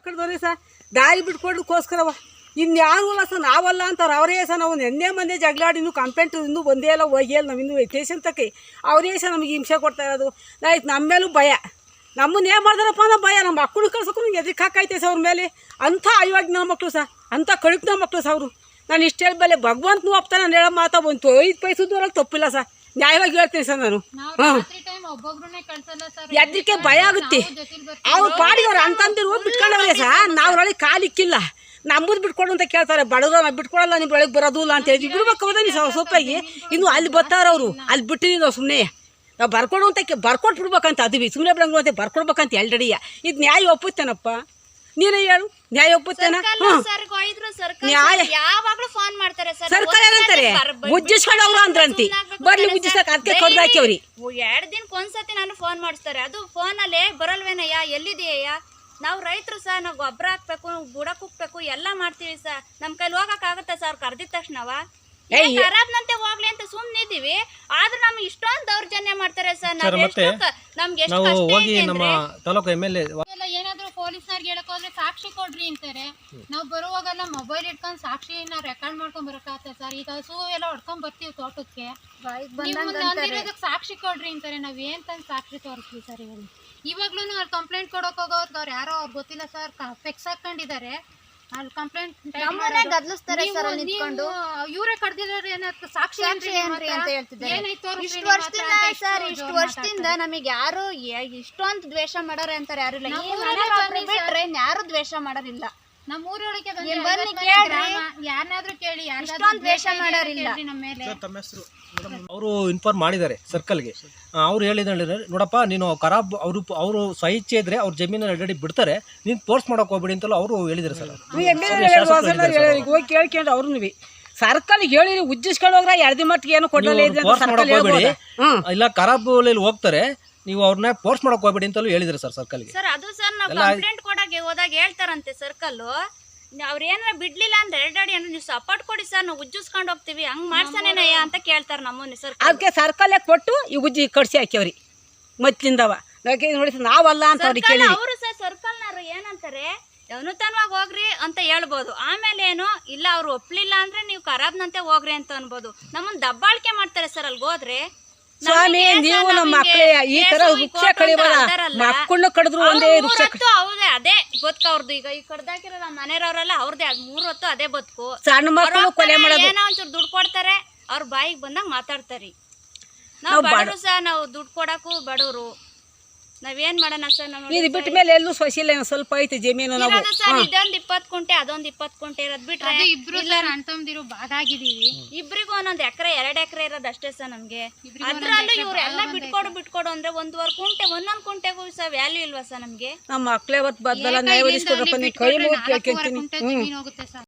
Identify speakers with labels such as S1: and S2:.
S1: ಕಡ್ದವ್ರಿ sir ದಾರಿ ಬಿಟ್ಕೊಡ್ಲಿಕ್ಕೋಸ್ಕರವ ಇನ್ಯಾರು ಇಲ್ಲ ಸರ್ ನಾವಲ್ಲ ಅಂತಾರೆ ಅವರೇ ಸರ್ ನಾವು ನೆನ್ನೆ ಮಂದಿ ಜಗಳಾಡಿ ಇನ್ನೂ ಕಂಪ್ಲೇಂಟ್ ಇನ್ನೂ ಬಂದೇ ಇಲ್ಲ ಹೋಗಿಲ್ಲ ನಾವು ಇನ್ನೂ ಸ್ಟೇಷನ್ ತಕ್ಕೆ ಅವರೇ ಸರ್ ನಮಗೆ ಹಿಂಸೆ ಕೊಡ್ತಾ ಇರೋದು ಆಯ್ತು ನಮ್ಮ ಮೇಲೂ ಭಯ ನಮ್ಮನ್ನು ಏನು ಮಾಡ್ದಾರಪ್ಪ ಅನ್ನೋ ಭಯ ನಮ್ಮ ಮಕ್ಕಳು ಕಳ್ಸೋಕ್ಕೂ ನಿಮ್ಗೆ ಎದಕ್ಕೆ ಹಾಕೈತೆ ಸರ್ ಅವ್ರ ಮೇಲೆ ಅಂಥ ಅಯೋಗ್ಯ ಮಕ್ಕಳು ಸರ್ ಅಂಥ ಕಳುಕ್ನ ಮಕ್ಕಳು ಸರ್ ಅವರು ನಾನು ಇಷ್ಟೇ ಬೆಲೆ ಭಗವಂತನೂ ಒಪ್ತಾನೆ ನಾನು ಹೇಳೋ ಮಾತಾ ಬಂತು 5 ಪೈಸೆ ದೂರಲ್ಲಿ ತಪ್ಪಿಲ್ಲ ಸರ್ ನ್ಯಾಯವಾಗಿ ಹೇಳ್ತೀನಿ ಸರ್ ನಾನು ಎದಕ್ಕೆ ಭಯ ಆಗುತ್ತೆ ಅವ್ರು ಪಾಡಿದವ್ರು ಅಂತಂದಿರು ಬಿಟ್ಕೊಂಡವ್ರೆ ಸರ್ ನಾವು ಒಳಗೆ ಕಾಲಿಕ್ಕಿಲ್ಲ ನಮ್ಮದು ಬಿಟ್ಕೊಡು ಅಂತ ಕೇಳ್ತಾರೆ ಬಡವ್ರು ನಾವು ಬಿಟ್ಕೊಡಲ್ಲ ನಿಮ್ಮ ಒಳಗೆ ಬರೋದು ಇಲ್ಲ ಅಂತ ಹೇಳಿ ಬಿಡ್ಬೇಕು ಹೋದ ನೀವು ಸೊಪ್ಪಾಗಿ ಇನ್ನು ಅಲ್ಲಿ ಬರ್ತಾರವರು ಅಲ್ಲಿ ಬಿಟ್ಟಿದ್ದೀವಿ ನಾವು ಸುಮ್ಮನೆ ನಾವು ಬರ್ಕೊಡು ಅಂತ ಬರ್ಕೊಟ್ಟು ಬಿಡ್ಬೇಕಂತ ಅದು ಸುಮ್ಮನೆ ಬಿಡಂಗು ಅಂತ ಬರ್ಕೊಡ್ಬೇಕಂತ ಎಲ್ರೆಡಿಯ ಇದು ನ್ಯಾಯ ಒಪ್ಪುತ್ತೇನಪ್ಪ ನೀನೇ ಹೇಳು ನ್ಯಾಯ ಒಪ್ಪುತ್ತೇನ ನ್ಯಾಯ ಸರ್ಕಾರ ಏನಂತಾರೆ ಉಜ್ಜಿಸ್ಕೊಂಡವ್ರು ಅಂದ್ರಂತಿ ಬರ್ಲಿ ಉಜ್ಜಿಸಕ್ ಅದಕ್ಕೆ ಕಡ್ದು ಹಾಕ್ಯವ್ರಿ
S2: 2 ದಿನಕ್ಕೊಂದ್ಸತಿ ನಾನು ಫೋನ್ ಮಾಡಿಸ್ತಾರೆ ಅದು ಫೋನಲ್ಲೇ ಬರಲ್ವೇನಯ್ಯ ಎಲ್ಲಿದೆಯಯ್ಯ ನಾವು ರೈತರು ಸರ್ ನಾವು ಗೊಬ್ಬರ ಹಾಕ್ಬೇಕು ಬುಡಕ್ಕೆ ಹೋಗ್ಬೇಕು ಎಲ್ಲ ಮಾಡ್ತೀವಿ ಸರ್ ನಮ್ಮ ಕೈಲಿ ಹೋಗಕ್ಕಾಗತ್ತೆ ಸರ್ ಕರ್ದಿದ ತಕ್ಷಣವ ಖರಾಬ್ನಂತೆ ಹೋಗ್ಲಿ ಅಂತ ಸುಮ್ಮನೆ ಇದೀವಿ ಆದ್ರೆ ನಮ್ಗೆ ಇಷ್ಟೊಂದು ದೌರ್ಜನ್ಯ ಮಾಡ್ತಾರೆ ಸರ್ ನಮ್ಗೆ
S3: ಏನಾದ್ರು ಪೊಲೀಸ್ನವ್ರಿಗೆ ಹೇಳಕ್ ಹೋದ್ರೆ ಸಾಕ್ಷಿ ಕೊಡ್ರಿ ಅಂತಾರೆ ನಾವು ಬರುವಾಗೆಲ್ಲ ಮೊಬೈಲ್ ಇಟ್ಕೊಂಡು ಸಾಕ್ಷಿನ ರೆಕಾರ್ಡ್ ಮಾಡ್ಕೊಂಡ್ ಬರಕಾಗ್ತದೆ ಸರ್ ಈಗ ಹಸು ಎಲ್ಲ ಹೊಡ್ಕೊಂಡ್ ಬರ್ತೀವಿ ತೋಟಕ್ಕೆ ಸಾಕ್ಷಿ ಕೊಡ್ರಿ ಅಂತಾರೆ ನಾವ್ ಏನ್ ತಂದ್ ಸಾಕ್ಷಿ ತೋರಿಸ್ತೀವಿ ಸರ್ ಇವಾಗ್ಲೂ ಅವ್ರು ಕಂಪ್ಲೇಂಟ್ ಕೊಡೋಕ್ ಹೋಗೋರ್ಗ ಅವ್ರು ಯಾರೋ ಅವ್ರು ಗೊತ್ತಿಲ್ಲ ಸರ್ ಫೆಕ್ಸ್ ಹಾಕೊಂಡಿದ್ದಾರೆ ಅಲ್ಲಿ ಕಂಪ್ಲೇಂಟ್
S2: ಗದ್ಲಿಸ್ತಾರೆ ಸರ್ ನಿಂತ್ಕೊಂಡು
S3: ಇವರೇ ಕಡ್ದಿದ್ದಾರೆ ಸಾಕ್ಷಿ
S2: ಅಂತ ಹೇಳ್ತಿದ್ದಾರೆ ಇಷ್ಟು ವರ್ಷದಿಂದ ನಮಗೆ ಯಾರು ಇಷ್ಟೊಂದು ದ್ವೇಷ ಮಾಡೋರೆ ಅಂತಾರೆ ಯಾರು ಇಲ್ಲ ಬಿಟ್ರೆ ಯಾರು ದ್ವೇಷ ಮಾಡೋರಿಲ್ಲ
S3: ನಮ್ಮ ಊರೊಳಗೆ ಯಾರನ್ನಾದ್ರೂ ಕೇಳಿ
S2: ಇಷ್ಟೊಂದು ದ್ವೇಷ ಮಾಡೋರಿಲ್ಲ
S3: ನಮ್ಮ ಮೇಲೆ
S4: ಅವರು ಇನ್ಫಾರ್ಮ್ ಮಾಡಿದ್ದಾರೆ ಸರ್ಕಲ್ಗೆ ಅವ್ರು ಹೇಳಿದ್ರೆ ನೋಡಪ್ಪ ನೀನು ಖರಾಬ್ ಅವರು ಸ್ವಇಚ್ಛೆ ಇದ್ರೆ ಅವ್ರ ಜಮೀನಲ್ಲಿ ಆಲ್ರೆಡಿ ಬಿಡ್ತಾರೆ ನೀನು ಫೋರ್ಸ್ ಮಾಡೋಕೆ ಹೋಗ್ಬೇಡಿ ಅಂತಲೂ ಅವರು ಹೇಳಿದ್ದಾರೆ ಸರ್
S1: ಹೋಗಿ ಕೇಳ್ಕೊಂಡು ಅವ್ರು ಸರ್ಕಲ್ಗೆ ಹೇಳಿ ಉಜ್ಜಿಸ್ಕೊಂಡು ಹೋಗ್ರ 2 ದಿನ ಮಟ್ಟಿಗೆ ಏನು ಕೊಡಲ್ಲ
S4: ಇಲ್ಲ ಖರಾಬ್ ಹೋಗ್ತಾರೆ ನೀವು ಅವ್ರನ್ನ ಫೋರ್ಸ್ ಮಾಡಕ್ ಹೋಗ್ಬೇಡಿ ಅಂತಲೂ ಹೇಳಿದ್ರೆ ಸರ್ ಸರ್ಕಲ್ಗೆ
S2: ಸರ್ ಅದು ಸರ್ ನಾವು ಕಂಪ್ಲೇಂಟ್ ಕೊಡಕ್ಕೆ ಹೋದಾಗ ಹೇಳ್ತಾರಂತೆ ಸರ್ಕಲ್ ಅವ್ರ ಏನಾರ ಬಿಡ್ಲಿಲ್ಲ ಅಂದ್ರೆ ಎರಡಾಡಿ ಅಂದ್ರೆ ನೀವು ಸಪೋರ್ಟ್ ಕೊಡಿ ಸರ್ ನಾವು ಉಜ್ಜಿಸ್ಕೊಂಡು ಹೋಗ್ತೀವಿ ಹಂಗ್ ಮಾಡ್ಸನೇನಯ್ಯ ಅಂತ ಕೇಳ್ತಾರ ನಮ್ಮನ್ನ ಸರ್
S1: ಅದಕ್ಕೆ ಸರ್ಕಲ್ ಕೊಟ್ಟು ಈ ಉಜ್ಜಿ ಕಡ್ಸಿ ಹಾಕ್ಯವ್ರಿ ಮೊದ್ಲಿಂದವ ನೋಡಿ ನಾವಲ್ಲ ಅಂತ
S2: ಅವರು ಸರ್ ಸರ್ಕಲ್ನವ್ರು ಏನಂತಾರೆ ಅನುತನವಾಗಿ ಹೋಗ್ರಿ ಅಂತ ಹೇಳ್ಬೋದು ಆಮೇಲೆ ಏನು ಇಲ್ಲ ಅವ್ರು ಒಪ್ಲಿಲ್ಲ ಅಂದ್ರೆ ನೀವು ಖರಾಬ್ನಂತೆ ಹೋಗ್ರಿ ಅಂತ ಅನ್ಬೋದು ನಮ್ಮನ್ನ ದಬ್ಬಾಳಿಕೆ ಮಾಡ್ತಾರೆ ಸರ್ ಅಲ್ಲಿ ಹೋದ್ರೆ
S1: ಸ್ವಾಮಿ ನೀವು ನಮ್ಮ ಮಕ್ಕಳೇ ಈ ತರ ವೃಕ್ಷ ಕಡಿಬಾರ ಮಕ್ಕಳನ್ನ ಕಡಿದ್ರು ಒಂದೇ ವೃಕ್ಷ
S2: ಹೌದೇ ಅದೇ ಬದುಕು ಅವ್ರದ್ದು ಈಗ ಈ ಕಡ್ದಾಕಿರೋ ನಮ್ಮ ಮನೆಯವ್ರೆಲ್ಲ ಅವ್ರದೇ 3 ಹೊತ್ತು ಅದೇ ಬದುಕು
S1: ಸಣ್ಣ ಮಕ್ಕಳು ಕೊಲೆ ಮಾಡೋದು
S2: ಏನೋ ಒಂಚೂರು ದುಡ್ಡು ಕೊಡ್ತಾರೆ ಅವ್ರ ಬಾಯಿಗೆ ಬಂದಾಗ ಮಾತಾಡ್ತಾರಿ ನಾವು ಬಡವರು ಸರ್ ನಾವು ದುಡ್ಡು ಕೊಡಕ್ಕೂ ಬಡವರು ನಾವೇನ್ ಮಾಡೋಣ ಸರ್
S1: ಇದು ಬಿಟ್ಟ ಮೇಲೆ ಎಲ್ಲೂ ಸೊಸಿಲ್ಲ ಸ್ವಲ್ಪ ಐತೆ ಜಮೀನು ನಾವು
S2: ಇದೊಂದು 20 ಕುಂಟೆ ಅದೊಂದು 20 ಕುಂಟೆ ಇರೋದ್ ಬಿಟ್ರೆ
S3: ಇಬ್ರು ಅಣ್ಣ ತಮ್ಮದಿರು ಭಾಗ ಆಗಿದೀವಿ
S2: ಇಬ್ರಿಗೂ ಒಂದೊಂದು ಎಕರೆ 2 ಎಕರೆ ಇರೋದು ಅಷ್ಟೇ ಸರ್ ನಮ್ಗೆ ಅದ್ರಲ್ಲೂ ಇವ್ರು ಎಲ್ಲ ಬಿಟ್ಕೊಡು ಅಂದ್ರೆ 1.5 ಕುಂಟೆ ಒಂದೊಂದು ಕುಂಟೆಗೂ ಸರ್ ವ್ಯಾಲ್ಯೂ ಇಲ್ವಾ ಸರ್ ನಮ್ಗೆ
S1: ನಮ್ಮ ಮಕ್ಳೇ ಹೊತ್ತು ಬದ್ದಲ್ಲ ನ್ಯಾಯ ಒದಗಿಸ್ಕೊಡ್ರಪ್ಪ ನೀವು ಕೈ ಮುಗಿ ಕೇಳ್ಕೊಂತೀನಿ
S3: ಹೋಗುತ್ತೆ ಸರ್